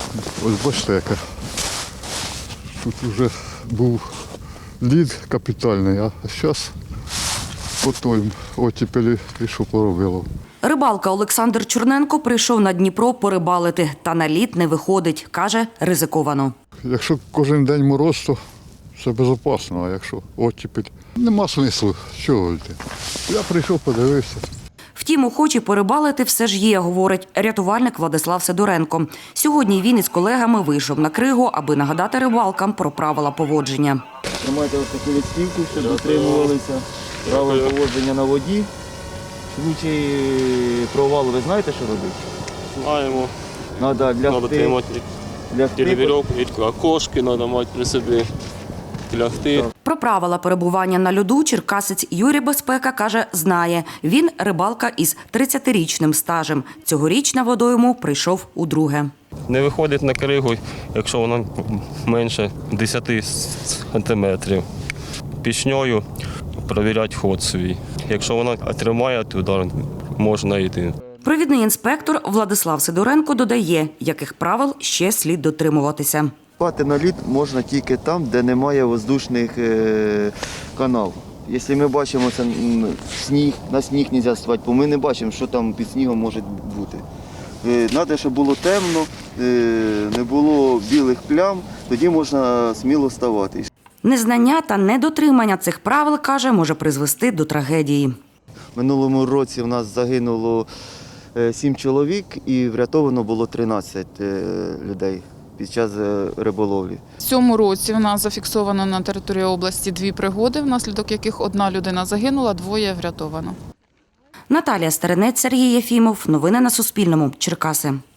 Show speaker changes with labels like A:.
A: Ось бачите, яка. Тут вже був лід капітальний, а зараз по той оттепелі пішов поробило.
B: Рибалка Олександр Чорненко прийшов на Дніпро порибалити, та на лід не виходить. Каже, ризиковано.
A: Якщо кожен день мороз, то це безпечно, а якщо оттепель, нема смислу, чого йти. Я прийшов, подивився.
B: Втім, охочі порибалити все ж є, говорить рятувальник Владислав Сидоренко. Сьогодні він із колегами вийшов на кригу, аби нагадати рибалкам про правила поводження.
C: Тримайте ось таку листівку, щоб дотримувалися правил поводження на воді. В случаї провалу ви знаєте, що робити?
D: Знаємо.
C: Треба
D: тримати вірьовку, окошки треба мати при собі, лягти.
B: Про правила перебування на льоду черкасець Юрій Безпека каже, знає. Він рибалка із 30-річним стажем. Цьогоріч на водойму прийшов удруге.
D: Не виходить на кригу, якщо вона менше 10 сантиметрів. Пішньою перевіряти ход свій. Якщо вона тримає туди, можна йти.
B: Провідний інспектор Владислав Сидоренко додає, яких правил ще слід дотримуватися.
C: Спати на лід можна тільки там, де немає воздушних каналів. Якщо ми бачимо сніг, на сніг не можна спати, бо ми не бачимо, що там під снігом може бути. Треба, щоб було темно, не було білих плям, тоді можна сміло вставати.
B: Незнання та недотримання цих правил, каже, може призвести до трагедії.
C: Минулому році в нас загинуло 7 чоловік і врятовано було 13 людей під час риболовлі.
E: В цьому році в нас зафіксовано на території області 2 пригоди, внаслідок яких 1 людина загинула, 2 врятовано.
B: Наталія Старинець, Сергій Єфімов. Новини на Суспільному. Черкаси.